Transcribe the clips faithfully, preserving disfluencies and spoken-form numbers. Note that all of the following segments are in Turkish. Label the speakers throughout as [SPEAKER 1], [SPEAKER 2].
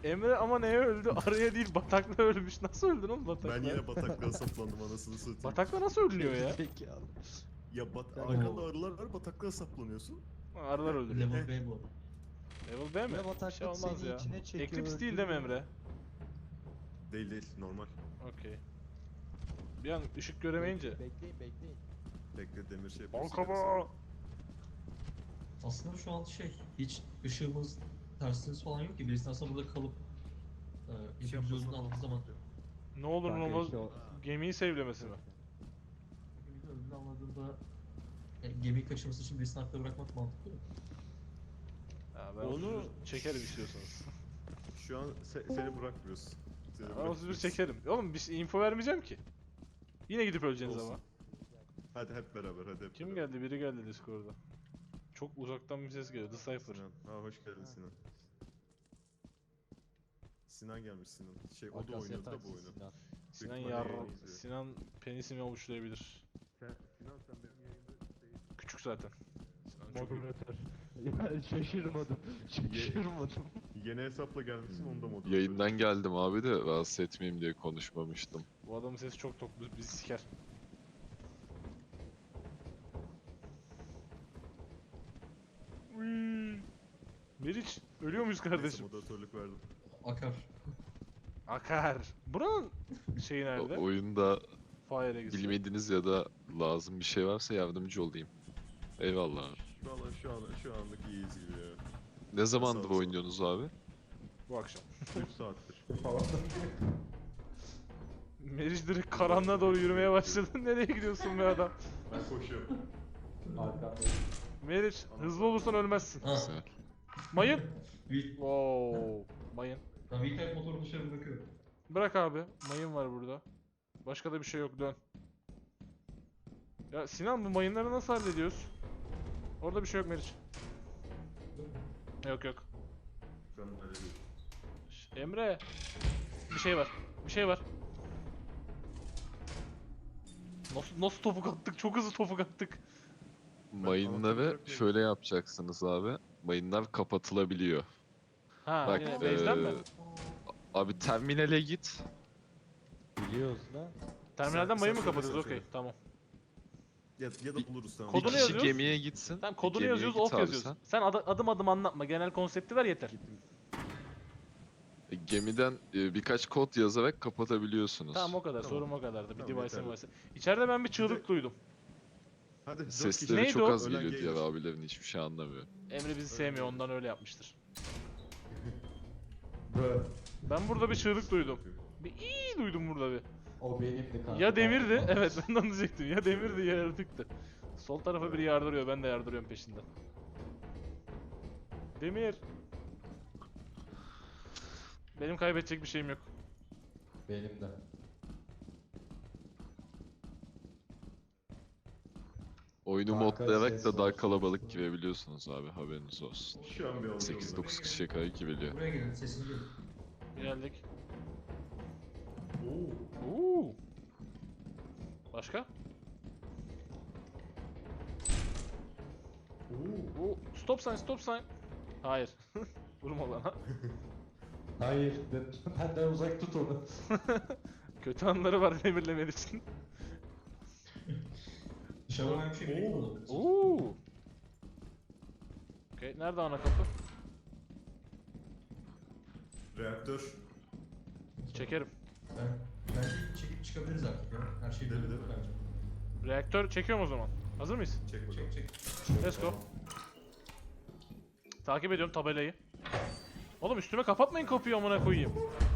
[SPEAKER 1] Emre ama neye öldü? Araya değil bataklığa ölmüş. Nasıl öldün oğlum bataklığa?
[SPEAKER 2] Ben yine bataklığa saplandım anasını satayım.
[SPEAKER 1] Bataklığa nasıl ölünüyor ya?
[SPEAKER 3] Peki abi.
[SPEAKER 2] Ya bat
[SPEAKER 3] Ben-
[SPEAKER 2] arkanda arılar var, bataklığa saplanıyorsun.
[SPEAKER 1] Arılar öldürüyor.
[SPEAKER 4] Level B bu.
[SPEAKER 1] Level B mi?
[SPEAKER 3] Ve
[SPEAKER 1] Bir
[SPEAKER 3] bataklık
[SPEAKER 1] şey olmaz
[SPEAKER 3] seni
[SPEAKER 1] ya.
[SPEAKER 3] içine çekiyor,
[SPEAKER 1] Eclipse değil değil mi
[SPEAKER 3] öldürüyor.
[SPEAKER 1] Emre?
[SPEAKER 2] Değil değil, normal.
[SPEAKER 1] Okey. Bir an ışık göremeyince.
[SPEAKER 3] Bekleyin bekleyin.
[SPEAKER 2] Bekle demir şey yapıyorsun.
[SPEAKER 1] Bankama!
[SPEAKER 4] Aslında şu an şey, hiç ışığımız, tersimiz falan yok ki. Birisi aslında burada kalıp e,
[SPEAKER 2] Şey
[SPEAKER 4] ipimizi
[SPEAKER 2] yapmasın.
[SPEAKER 4] özünü aldığı zaman
[SPEAKER 1] Ne olur ne
[SPEAKER 3] Kanka
[SPEAKER 1] olmaz
[SPEAKER 3] işte o-
[SPEAKER 1] gemiyi sevlemesi mi?
[SPEAKER 4] ipimizi özünü anladığında yani gemiyi kaçırması için birisini hakta bırakmak mantıklı mı?
[SPEAKER 1] Ya ben
[SPEAKER 2] Onu-
[SPEAKER 1] onu çekerim istiyorsanız.
[SPEAKER 2] Şu an se- seni bırakmıyoruz. Seni
[SPEAKER 1] Ben o
[SPEAKER 2] bırakmıyoruz.
[SPEAKER 1] çekerim. Oğlum bir şey- info vermeyeceğim ki. Yine gidip öleceksiniz
[SPEAKER 2] Olsun.
[SPEAKER 1] ama.
[SPEAKER 2] Hadi hep beraber, hadi hep
[SPEAKER 1] Kim
[SPEAKER 2] beraber.
[SPEAKER 1] geldi? Biri geldi Discord'da. Çok uzaktan bir ses geliyor. The Cypher.
[SPEAKER 2] Sinan. Ha hoş geldin Sinan. Sinan gelmiş Sinan. Şey o da
[SPEAKER 3] Akasya
[SPEAKER 2] oynuyordu da bu
[SPEAKER 3] taksi
[SPEAKER 2] oyunu.
[SPEAKER 3] Sinan.
[SPEAKER 1] Sinan
[SPEAKER 2] ihtimalle
[SPEAKER 1] yar...
[SPEAKER 2] yayını izliyor.
[SPEAKER 1] Sinan penisimi avuçlayabilir.
[SPEAKER 2] Sen, Sinan sen benim yayında şey-
[SPEAKER 1] Küçük zaten. Sinan çok iyi.
[SPEAKER 3] Moderatör. Ya şaşırmadım. Şaşırmadım.
[SPEAKER 2] Yeni hesapla gelmişsin onda modu.
[SPEAKER 5] Yayından geldim abi de rahatsız etmeyeyim diye konuşmamıştım.
[SPEAKER 1] Bu adamın sesi çok tok. Bizi siker. Uyyy. Meriç, ölüyor muyuz
[SPEAKER 2] Neyse,
[SPEAKER 1] kardeşim?
[SPEAKER 2] moderatörlük verdim.
[SPEAKER 4] Akar.
[SPEAKER 1] Akar. Buranın şeyi
[SPEAKER 5] O-
[SPEAKER 1] nerede?
[SPEAKER 5] oyunda
[SPEAKER 1] Fire Exit.
[SPEAKER 5] bilmediğiniz ya da lazım bir şey varsa yardımcı olayım. Eyvallah abi.
[SPEAKER 2] Valla şu an şu anlık iyiyiz gibi ya.
[SPEAKER 5] Ne zamandır
[SPEAKER 2] ol.
[SPEAKER 5] oynuyorsunuz abi?
[SPEAKER 1] Bu akşam.
[SPEAKER 2] üç saattir.
[SPEAKER 1] Meriç direkt karanlığa doğru yürümeye başladı. Nereye gidiyorsun be adam?
[SPEAKER 2] Ben koşuyorum.
[SPEAKER 3] Arkamdayım.
[SPEAKER 1] Meriç, hızlı olursan ölmezsin.
[SPEAKER 4] Ha.
[SPEAKER 5] Güzel.
[SPEAKER 1] Mayın.
[SPEAKER 4] Bir,
[SPEAKER 1] Wow. Mayın.
[SPEAKER 4] ben bir kayıp motoru dışarı bırakıyorum.
[SPEAKER 1] Bırak abi. Mayın var burada. Başka da bir şey yok. Dön. Ya Sinan bu mayınları nasıl hallediyoruz? Orada bir şey yok Meriç. Yok yok.
[SPEAKER 2] Ben öyle değil.
[SPEAKER 1] Şş, Emre. Bir şey var. Bir şey var. Nasıl, nasıl topuk attık? Çok hızlı topuk attık.
[SPEAKER 5] Mayınları
[SPEAKER 2] bırakmayayım.
[SPEAKER 5] şöyle yapacaksınız abi. Mayınlar kapatılabiliyor.
[SPEAKER 1] Ha,
[SPEAKER 5] Bak,
[SPEAKER 1] yine
[SPEAKER 5] eee,
[SPEAKER 1] base'den mi?
[SPEAKER 5] Abi terminale git.
[SPEAKER 3] Biliyoruz lan.
[SPEAKER 1] Terminalden
[SPEAKER 2] sen-
[SPEAKER 1] mayın mı
[SPEAKER 2] sen söyle,
[SPEAKER 1] kapatıyoruz?
[SPEAKER 2] sen
[SPEAKER 1] Okey,
[SPEAKER 2] söyle.
[SPEAKER 1] tamam.
[SPEAKER 2] Ya, ya da buluruz tamam.
[SPEAKER 5] Bir
[SPEAKER 1] Kodunu
[SPEAKER 5] kişi
[SPEAKER 1] yazıyoruz.
[SPEAKER 5] gemiye gitsin.
[SPEAKER 1] Tamam
[SPEAKER 5] bir
[SPEAKER 1] kodunu
[SPEAKER 5] gemiye
[SPEAKER 1] yazıyoruz,
[SPEAKER 5] git
[SPEAKER 1] off
[SPEAKER 5] abi
[SPEAKER 1] yazıyoruz.
[SPEAKER 5] sen.
[SPEAKER 1] Sen adı- adım adım anlatma. Genel konsepti ver yeter.
[SPEAKER 5] E, Gemiden e, birkaç kod yazarak kapatabiliyorsunuz.
[SPEAKER 1] Tamam o kadar.
[SPEAKER 2] Tamam.
[SPEAKER 1] Sorum o kadardı. Bir
[SPEAKER 2] Tamam,
[SPEAKER 1] device
[SPEAKER 2] yeterli.
[SPEAKER 1] device. İçeride ben bir çığlık
[SPEAKER 2] de-
[SPEAKER 1] duydum.
[SPEAKER 2] Hadi dört
[SPEAKER 5] Sesleri
[SPEAKER 1] Neydi
[SPEAKER 5] çok
[SPEAKER 1] o?
[SPEAKER 5] az
[SPEAKER 2] Ölen
[SPEAKER 5] geliyor diğer
[SPEAKER 2] gelir.
[SPEAKER 5] abilerin, hiçbir şey anlamıyor.
[SPEAKER 1] Emre bizi sevmiyor, ondan öyle yapmıştır.
[SPEAKER 3] Bö.
[SPEAKER 1] Ben burada bir çığlık duydum. Bir iyi duydum burada bir.
[SPEAKER 3] O benimdi kanka.
[SPEAKER 1] Ya demirdi, evet ben de onu diyecektim. Ya demirdi ya yaratıktı. Sol tarafa biri yardırıyor, ben de yardırıyorum peşinden. Demir. Benim kaybedecek bir şeyim yok.
[SPEAKER 3] Benim de.
[SPEAKER 5] Oyunu
[SPEAKER 3] Kanka,
[SPEAKER 5] modlayarak
[SPEAKER 3] ses
[SPEAKER 5] da daha
[SPEAKER 3] olsun.
[SPEAKER 5] kalabalık girebiliyorsunuz abi, haberiniz olsun.
[SPEAKER 2] Şu an bir alıyorum.
[SPEAKER 5] sekiz dokuz kişiye kadar girebiliyor.
[SPEAKER 4] Buraya gelin, sesini duyun.
[SPEAKER 1] Geldik.
[SPEAKER 2] Oo.
[SPEAKER 1] Oo. Başka?
[SPEAKER 2] Oo.
[SPEAKER 1] Oo. Stop sign, stop sign. Hayır. Vurma bana.
[SPEAKER 3] Hayır. ben- Benden uzak tut onu.
[SPEAKER 1] Kötü anları var demirlemen için.
[SPEAKER 4] Dışarıdan bir şey birlikte olabilir.
[SPEAKER 1] Oo. Okey, nerede ana kapı?
[SPEAKER 2] Reaktör.
[SPEAKER 1] Çekerim.
[SPEAKER 4] Ben, bence çekip çıkabiliriz artık ya. Her şey
[SPEAKER 2] Değil mi,
[SPEAKER 4] böyle
[SPEAKER 2] değil mi?
[SPEAKER 4] bence.
[SPEAKER 1] Reaktör çekiyorum o zaman. Hazır mıyız?
[SPEAKER 2] Çek bakalım.
[SPEAKER 4] Çek çek.
[SPEAKER 1] Let's go. Takip ediyorum tabelayı. Oğlum üstüme kapatmayın kapıyı amına koyayım.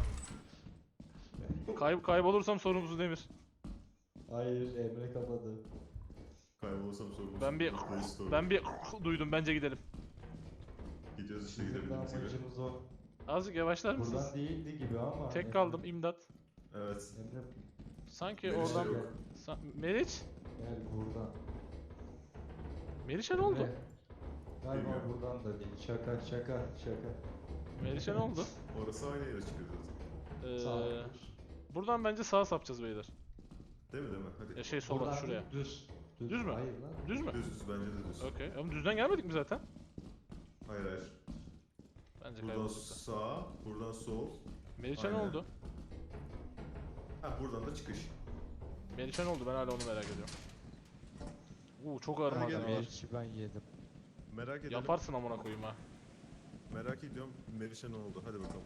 [SPEAKER 1] Kay kaybolursam sorumlusu Demir.
[SPEAKER 3] Hayır Emre kapadı.
[SPEAKER 2] Kaybolursam sorumlusun.
[SPEAKER 1] Ben bir
[SPEAKER 2] Restore.
[SPEAKER 1] ben bir duydum, bence gidelim.
[SPEAKER 2] Gidiyoruz işte
[SPEAKER 3] Bizim de
[SPEAKER 2] gidebildiğimiz gibi.
[SPEAKER 3] amacımız o.
[SPEAKER 1] Azıcık yavaşlar mısınız?
[SPEAKER 3] Buradan değildi gibi ama.
[SPEAKER 1] Tek
[SPEAKER 3] Emre-
[SPEAKER 1] kaldım, imdat.
[SPEAKER 2] Evet.
[SPEAKER 3] Emre
[SPEAKER 1] Sanki
[SPEAKER 2] Meriç de
[SPEAKER 1] oradan...
[SPEAKER 2] yok.
[SPEAKER 1] Sa Meriç?
[SPEAKER 3] gel buradan.
[SPEAKER 1] Meriç'e ne oldu?
[SPEAKER 3] Emre, Galiba
[SPEAKER 2] Bilmiyorum.
[SPEAKER 3] buradan da değil. Şaka şaka şaka.
[SPEAKER 1] Meriç'e ne oldu?
[SPEAKER 2] Orası aynı yere çıkıyor zaten.
[SPEAKER 1] Ee,
[SPEAKER 3] Sağ.
[SPEAKER 1] buradan bence sağa sapacağız beyler.
[SPEAKER 2] Değil mi değil mi? Hadi.
[SPEAKER 1] Ya şey sola,
[SPEAKER 3] Buradan
[SPEAKER 1] şuraya.
[SPEAKER 3] değil, düz.
[SPEAKER 1] Düz mü?
[SPEAKER 3] Hayır lan.
[SPEAKER 1] Düz mü?
[SPEAKER 2] Düz düz bence de düz.
[SPEAKER 1] Okey. Ama düzden gelmedik mi zaten?
[SPEAKER 2] Hayır hayır.
[SPEAKER 1] Bence
[SPEAKER 2] Buradan
[SPEAKER 1] kaybolduk da.
[SPEAKER 2] sağ, buradan sol.
[SPEAKER 1] Meriç'e ne
[SPEAKER 2] Aynen.
[SPEAKER 1] oldu?
[SPEAKER 2] Ha buradan da çıkış.
[SPEAKER 1] Meriç'e ne oldu? Ben hala onu merak ediyorum. Uuu çok ağır
[SPEAKER 2] Hadi
[SPEAKER 1] malzeme
[SPEAKER 2] gel.
[SPEAKER 1] var.
[SPEAKER 3] Meriç'i ben yedim.
[SPEAKER 2] Merak edelim.
[SPEAKER 1] Yaparsın amına koyayım ha.
[SPEAKER 2] Merak ediyorum. Meriç'e ne oldu? Hadi bakalım.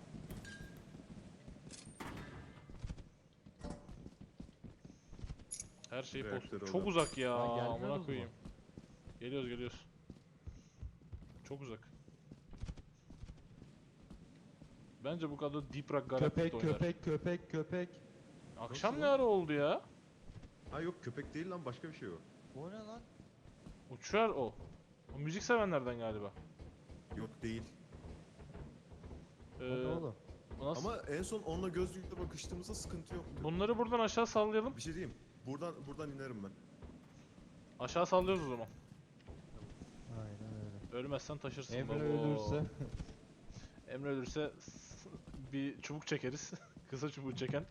[SPEAKER 1] Her şey
[SPEAKER 2] Reaktör
[SPEAKER 1] post.
[SPEAKER 2] oldu.
[SPEAKER 1] Çok uzak ya.
[SPEAKER 3] Ha, gelmiyoruz
[SPEAKER 1] Amına
[SPEAKER 3] mu?
[SPEAKER 1] koyayım. Geliyoruz geliyoruz. Çok uzak. Bence bu kadar Deep Rock Galactic'te
[SPEAKER 3] Köpek
[SPEAKER 1] oynar.
[SPEAKER 3] köpek köpek köpek.
[SPEAKER 1] Akşam
[SPEAKER 2] Nasıl
[SPEAKER 1] ne
[SPEAKER 2] lan?
[SPEAKER 1] ara oldu ya?
[SPEAKER 2] Ha yok köpek değil lan başka bir şey o.
[SPEAKER 3] O ne lan?
[SPEAKER 1] Uçuyor o. O müzik sevenlerden galiba.
[SPEAKER 2] Yok değil.
[SPEAKER 3] O
[SPEAKER 1] Ee,
[SPEAKER 3] ne oğlum?
[SPEAKER 1] bu nasıl?
[SPEAKER 2] Ama en son onunla göz yüzle bakıştığımızda sıkıntı yoktu.
[SPEAKER 1] Bunları buradan aşağı sallayalım.
[SPEAKER 2] Bir şey diyeyim. Buradan buradan inerim ben.
[SPEAKER 1] Aşağı sallıyoruz o zaman.
[SPEAKER 3] Aynen öyle.
[SPEAKER 1] Ölmezsen taşırsın.
[SPEAKER 3] Emre
[SPEAKER 1] baba.
[SPEAKER 3] ölürse.
[SPEAKER 1] Emre ölürse s- bir çubuk çekeriz. Kısa çubuğu çeken.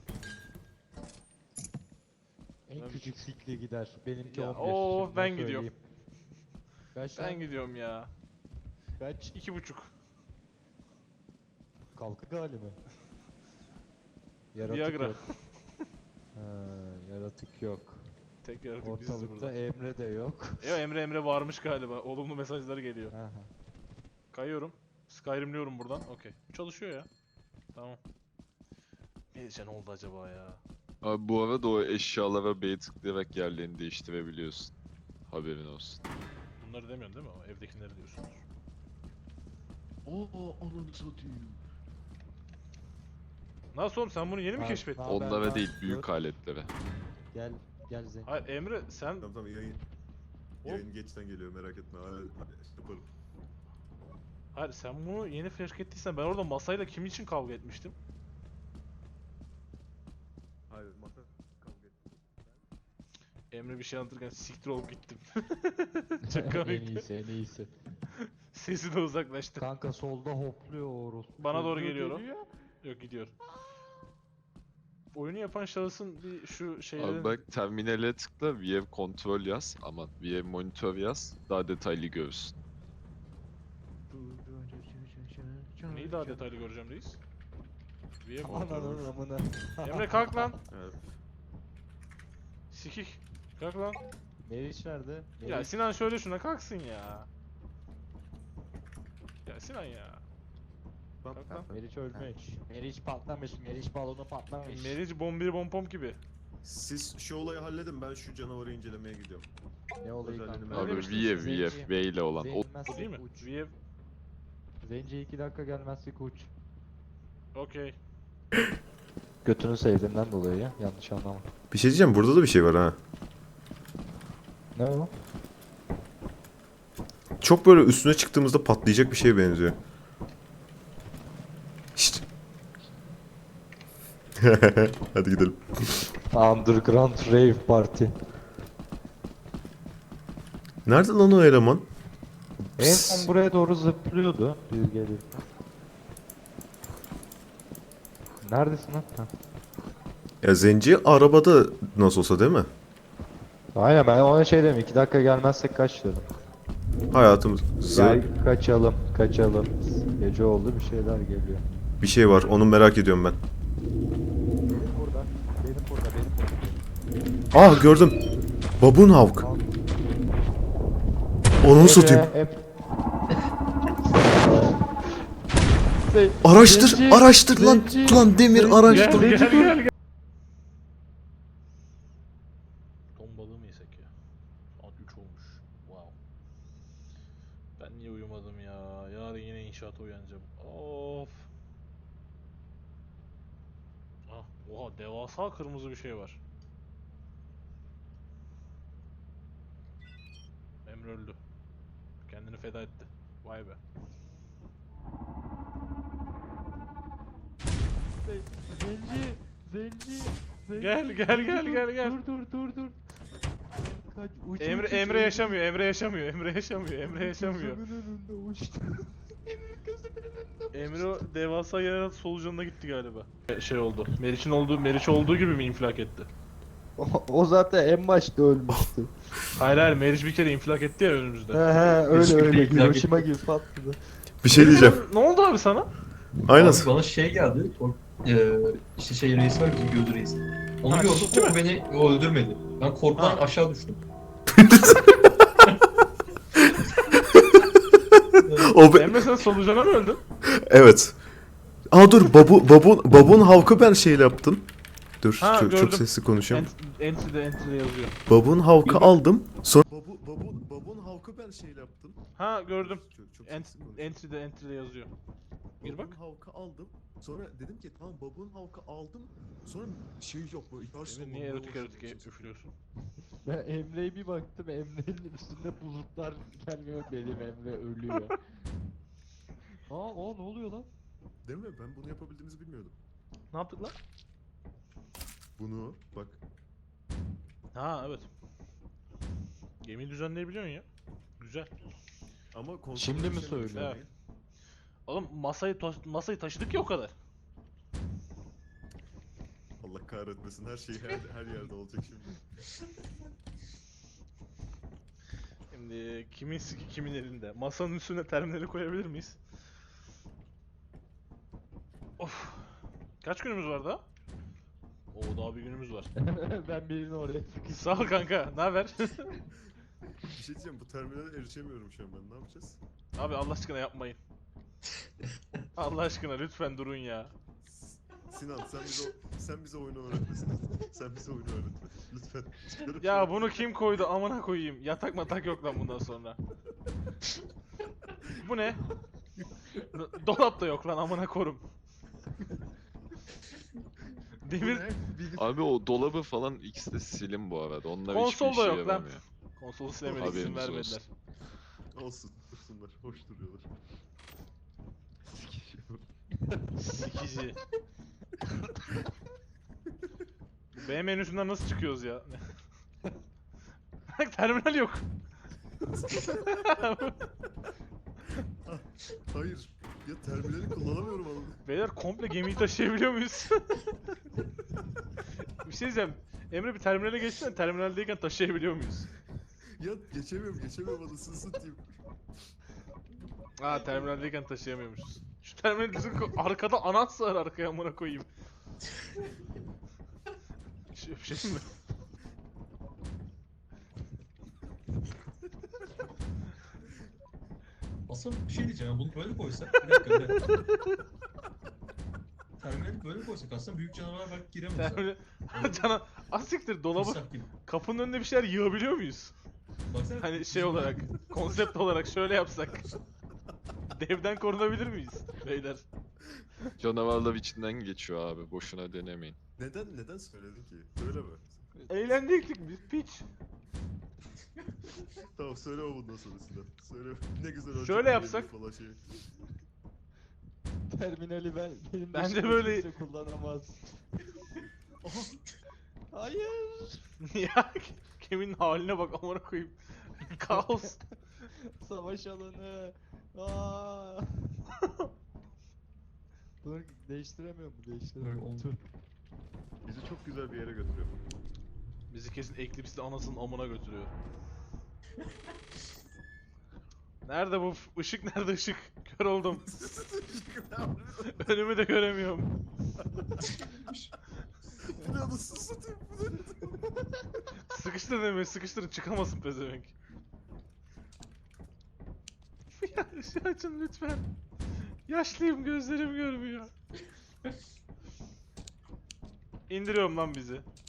[SPEAKER 3] En
[SPEAKER 1] Ben-
[SPEAKER 3] küçük sikli gider. Benimki
[SPEAKER 1] Ya,
[SPEAKER 3] on bir.
[SPEAKER 1] oo,
[SPEAKER 3] şimdiden
[SPEAKER 1] ben gidiyorum.
[SPEAKER 3] söyleyeyim. Kaç
[SPEAKER 1] Ben
[SPEAKER 3] lan?
[SPEAKER 1] gidiyorum ya.
[SPEAKER 3] Kaç?
[SPEAKER 1] İki buçuk.
[SPEAKER 3] Kalkı gali mi? Yaratık
[SPEAKER 1] Viagra.
[SPEAKER 3] yok. Ha, yaratık yok.
[SPEAKER 1] Tek yaratık biziz
[SPEAKER 3] Ortalıkta
[SPEAKER 1] burada.
[SPEAKER 3] Emre de yok.
[SPEAKER 1] Ya Emre Emre varmış galiba. Olumlu mesajları geliyor.
[SPEAKER 3] Aha.
[SPEAKER 1] Kayıyorum. Skyrim'liyorum buradan. Okey. Çalışıyor ya. Tamam. Neyse ne oldu acaba ya?
[SPEAKER 5] Abi bu arada o eşyalara B'ye tıklayarak yerlerini değiştirebiliyorsun. Haberin olsun.
[SPEAKER 1] Bunları demiyorsun değil mi? O evdekileri diyorsunuz.
[SPEAKER 5] Oo ananı satayım.
[SPEAKER 1] Nasıl oğlum sen bunu yeni mi
[SPEAKER 3] Ha,
[SPEAKER 1] keşfettin?
[SPEAKER 3] ha, ben-
[SPEAKER 5] Onlara
[SPEAKER 3] ben-
[SPEAKER 5] değil, büyük
[SPEAKER 3] dur.
[SPEAKER 5] aletlere.
[SPEAKER 3] Gel gel Zenci.
[SPEAKER 1] Hayır Emre sen
[SPEAKER 2] Tamam tamam yayın.
[SPEAKER 1] Hop.
[SPEAKER 2] Yayın geçten geliyor merak etme. Hala yaparım.
[SPEAKER 1] hayır sen bunu yeni fark ettiysen ben orada masayla kim için kavga etmiştim?
[SPEAKER 2] Hayır masa kavga ettim.
[SPEAKER 1] Emre bir şey anlatırken siktir olup gittim. Çok
[SPEAKER 3] En
[SPEAKER 1] komikti.
[SPEAKER 3] iyisi en iyisi.
[SPEAKER 1] Sesi de uzaklaştı.
[SPEAKER 3] Kanka solda hopluyor o orospu.
[SPEAKER 1] Bana doğru
[SPEAKER 3] Çocuğu
[SPEAKER 1] geliyor o.
[SPEAKER 3] geliyor.
[SPEAKER 1] Yok gidiyor. Oyunu yapan şahısın bir şu şeylerin...
[SPEAKER 5] Abi bak terminale tıkla, V M kontrol yaz. Aman V M monitör yaz. Daha detaylı görürsün.
[SPEAKER 1] Neyi daha detaylı göreceğim reis? V M
[SPEAKER 3] Ananın amına.
[SPEAKER 1] Emre kalk lan.
[SPEAKER 2] Evet.
[SPEAKER 1] Sikik. Kalk lan.
[SPEAKER 3] Meriç nerede?
[SPEAKER 1] Ya
[SPEAKER 3] Meriç-
[SPEAKER 1] Sinan şöyle şuna kalksın ya. Ya Sinan ya.
[SPEAKER 2] Bak,
[SPEAKER 1] Kalk lan.
[SPEAKER 3] Meriç ölmüş. Meriç patlamış. Meriç balonu patlamış.
[SPEAKER 1] Meriç bombir bompom gibi.
[SPEAKER 2] Siz şu olayı halledin ben şu canavarı incelemeye gidiyorum.
[SPEAKER 3] Ne olayı
[SPEAKER 2] Özelliğini
[SPEAKER 3] kanka?
[SPEAKER 2] merak
[SPEAKER 5] Abi
[SPEAKER 1] demiştim,
[SPEAKER 5] V,
[SPEAKER 3] Zenci.
[SPEAKER 5] V, V ile olan. O
[SPEAKER 1] Bu değil mi?
[SPEAKER 3] Uç.
[SPEAKER 1] V
[SPEAKER 3] Zenci iki dakika gelmezsek uç.
[SPEAKER 1] okey.
[SPEAKER 3] Götünü sevdiğimden dolayı ya. Yanlış anlama.
[SPEAKER 2] Bir şey diyeceğim burada da bir şey var ha.
[SPEAKER 3] Ne o?
[SPEAKER 2] Çok böyle üstüne çıktığımızda patlayacak bir şeye benziyor. Şşt. Hadi gidelim.
[SPEAKER 3] Underground Rave Party.
[SPEAKER 2] Nerede lan o eleman?
[SPEAKER 3] En son buraya doğru zıplıyordu. Biz gelirken. Neredesin lan? Ha.
[SPEAKER 2] Ya zenci arabada nasıl olsa değil mi?
[SPEAKER 3] Aynen ben ona şey dedim. iki dakika gelmezsek kaç dedim.
[SPEAKER 2] Hayatımız
[SPEAKER 3] Gel kaçalım. Kaçalım. Gece oldu bir şeyler geliyor.
[SPEAKER 2] bir şey var onu merak ediyorum ben.
[SPEAKER 3] Benim burada. Benim burada. Benim burada.
[SPEAKER 2] Ah gördüm. Babun Havk. Onu satayım.
[SPEAKER 3] Hep...
[SPEAKER 2] Araştır,
[SPEAKER 3] Zenci,
[SPEAKER 2] araştır lan.
[SPEAKER 3] zenci,
[SPEAKER 2] Lan Demir
[SPEAKER 3] zenci.
[SPEAKER 2] araştır.
[SPEAKER 1] Gel gel gel gel. Ton balığı mı yesek ya? Saat üç olmuş. Wow. Ben niye uyumadım ya? Yarın yine inşaata uyanacağım. Of. Ah, oha devasa kırmızı bir şey var. Emre öldü. Kendini feda etti. Vay be.
[SPEAKER 3] Zenci, zenci, zenci.
[SPEAKER 1] Gel, gel, gel, gel, gel.
[SPEAKER 3] Dur dur dur dur. Kaç, uç,
[SPEAKER 1] Emre
[SPEAKER 3] uç,
[SPEAKER 1] Emre
[SPEAKER 3] uç,
[SPEAKER 1] yaşamıyor. Emre yaşamıyor. Emre yaşamıyor. Emre yaşamıyor.
[SPEAKER 3] Gözümün önünde uçtu.
[SPEAKER 1] Emre o devasa yarat solucanına gitti galiba. Şey oldu. Meriç'in olduğu Meriç olduğu gibi mi infilak etti?
[SPEAKER 3] O, o zaten en başta ölmüştü.
[SPEAKER 1] Hayır hayır Meriç bir kere infilak etti ya önümüzde.
[SPEAKER 3] he he öyle
[SPEAKER 1] Hiçbir
[SPEAKER 3] öyle
[SPEAKER 1] değil,
[SPEAKER 3] Hiroşima gibi patladı.
[SPEAKER 2] Bir şey diyeceğim.
[SPEAKER 1] Ne oldu abi sana?
[SPEAKER 2] Aynen.
[SPEAKER 4] Abi bana şey geldi. O, e, işte şey reis var bizim gözü reis. Onu
[SPEAKER 1] Ha,
[SPEAKER 4] gördüm
[SPEAKER 1] ciddi
[SPEAKER 4] ama
[SPEAKER 1] mi?
[SPEAKER 4] beni o öldürmedi. Ben korkudan
[SPEAKER 1] Ha.
[SPEAKER 4] aşağı düştüm.
[SPEAKER 2] O be-
[SPEAKER 1] Emre sen solucana mı öldün?
[SPEAKER 2] Evet. Aa dur babu babun babun havkı ben şeyle yaptım. Dur
[SPEAKER 1] Ha,
[SPEAKER 2] çok, çok
[SPEAKER 1] gördüm.
[SPEAKER 2] sesli konuşuyorum.
[SPEAKER 1] Entry'de entry'de yazıyor.
[SPEAKER 2] Babun havkı aldım. Sonra babu babun babun havkı ben şeyle yaptım.
[SPEAKER 1] Ha gördüm.
[SPEAKER 2] Çok, çok
[SPEAKER 1] Ent
[SPEAKER 2] sesli konuşuyorum.
[SPEAKER 1] entry'de entry'de yazıyor. Gir
[SPEAKER 2] Babun
[SPEAKER 1] bak.
[SPEAKER 2] havkı aldım. Sonra dedim ki tamam babun havkı aldım. Sonra şey yok böyle yaş
[SPEAKER 1] Emre niye erotik erotik üflüyorsun?
[SPEAKER 3] Ben Emre'ye bir baktım, Emre'nin üstünde bulutlar gelmiyor, benim Emre ölüyor. Aa, o ne oluyor lan?
[SPEAKER 2] Değil mi? Ben bunu yapabildiğimizi bilmiyordum.
[SPEAKER 1] Ne yaptık lan?
[SPEAKER 2] Bunu bak.
[SPEAKER 1] Ha evet. Gemiyi düzenleyebiliyorsun ya. Güzel.
[SPEAKER 2] Ama konsol
[SPEAKER 3] Şimdi mi
[SPEAKER 2] erişemiyorum şu
[SPEAKER 3] söylüyor?
[SPEAKER 2] an.
[SPEAKER 1] Evet. Oğlum masayı to- masayı taşıdık ya o kadar.
[SPEAKER 2] Allah kahretmesin her şey her, her yerde olacak şimdi.
[SPEAKER 1] Şimdi kimin siki kimin elinde? Masanın üstüne terminali koyabilir miyiz? Of. Kaç günümüz var daha? Oo daha bir günümüz var.
[SPEAKER 3] Ben birini oraya sıkıştım.
[SPEAKER 1] Sağ ol kanka. Ne haber?
[SPEAKER 2] Bir şey diyeceğim bu terminale erişemiyorum şu an ben ne yapacağız?
[SPEAKER 1] Abi Allah aşkına yapmayın. Allah aşkına lütfen durun ya.
[SPEAKER 2] Sinan sen bize o- sen bize oyunu öğretmesin. Sen bize oyunu öğretme. Lütfen. Çıkarıp
[SPEAKER 1] Ya
[SPEAKER 2] şunu-
[SPEAKER 1] bunu kim koydu amına koyayım. Yatak matak yok lan bundan sonra. Bu ne? Do- Dolap da yok lan amına korum.
[SPEAKER 2] Bu
[SPEAKER 1] Demir
[SPEAKER 2] ne? Bilgi-
[SPEAKER 5] Abi o dolabı falan ikisi de silin bu arada. Onlar
[SPEAKER 1] Konsol
[SPEAKER 5] hiçbir
[SPEAKER 1] da
[SPEAKER 5] işe
[SPEAKER 1] yok lan.
[SPEAKER 5] yaramıyor.
[SPEAKER 1] konsolu silemedik izin
[SPEAKER 5] Haberiniz
[SPEAKER 1] vermediler.
[SPEAKER 5] olsun.
[SPEAKER 2] Olsun dursunlar hoş duruyorlar. Sikişiyorum.
[SPEAKER 1] Sikici. B menüsünden nasıl çıkıyoruz ya? Bak terminal yok.
[SPEAKER 2] Hayır. Ya terminali kullanamıyorum oğlum.
[SPEAKER 1] Beyler komple gemiyi taşıyabiliyor muyuz? Bir şey diyeceğim. Emre bir terminale geçsene. Terminaldeyken taşıyabiliyor muyuz?
[SPEAKER 2] Ya geçemiyorum geçemiyorum anasını satayım.
[SPEAKER 1] Aa terminaldeyken taşıyamıyormuşuz. Şu terminal bizim ko- arkada anahtar sığar arkaya amına koyayım. Şey, şey mi?
[SPEAKER 4] Aslında bir şey diyeceğim ya, bunu böyle koysak. Bir dakika bir dakika. Terminali böyle koysak aslında büyük canavar belki giremez. ha.
[SPEAKER 1] Terminal... Cana... Asiktir dolabı
[SPEAKER 4] Timsah gibi.
[SPEAKER 1] kapının önüne bir şeyler yığabiliyor muyuz?
[SPEAKER 4] Baksana.
[SPEAKER 1] Hani şey olarak, konsept olarak şöyle yapsak. Devden korunabilir miyiz beyler?
[SPEAKER 5] Canavarlar içinden geçiyor abi. Boşuna denemeyin.
[SPEAKER 2] Neden neden söyledin ki? Söyleme.
[SPEAKER 1] Eğlendik biz piç.
[SPEAKER 2] Tamam söyleme bundan sonra Sinan. Söyle. Ne güzel öğretmen
[SPEAKER 1] Şöyle
[SPEAKER 2] benim
[SPEAKER 1] yapsak.
[SPEAKER 2] Falan şey.
[SPEAKER 3] Terminali ben benim
[SPEAKER 1] Bence
[SPEAKER 3] dışımda
[SPEAKER 1] böyle-
[SPEAKER 3] kimse kullanamaz. Hayır.
[SPEAKER 1] Ya Kevin'in haline bak amına koyayım. Kaos.
[SPEAKER 3] Savaş alanı. Aa. Dur değiştiremiyorum mu? Değiştiremiyorum.
[SPEAKER 4] Böyle oldu.
[SPEAKER 3] Dur.
[SPEAKER 2] Bizi çok güzel bir yere götürüyor.
[SPEAKER 1] Bizi kesin Eclipse'de anasının amına götürüyor. Nerede bu f- ışık nerede ışık? Kör oldum. Önümü de göremiyorum.
[SPEAKER 2] Bu ne anasını satayım bu ne?
[SPEAKER 1] Sıkıştır demeyi sıkıştırın çıkamasın pezevenk. Ya ışığı açın lütfen. Yaşlıyım gözlerim görmüyor. İndiriyorum lan bizi.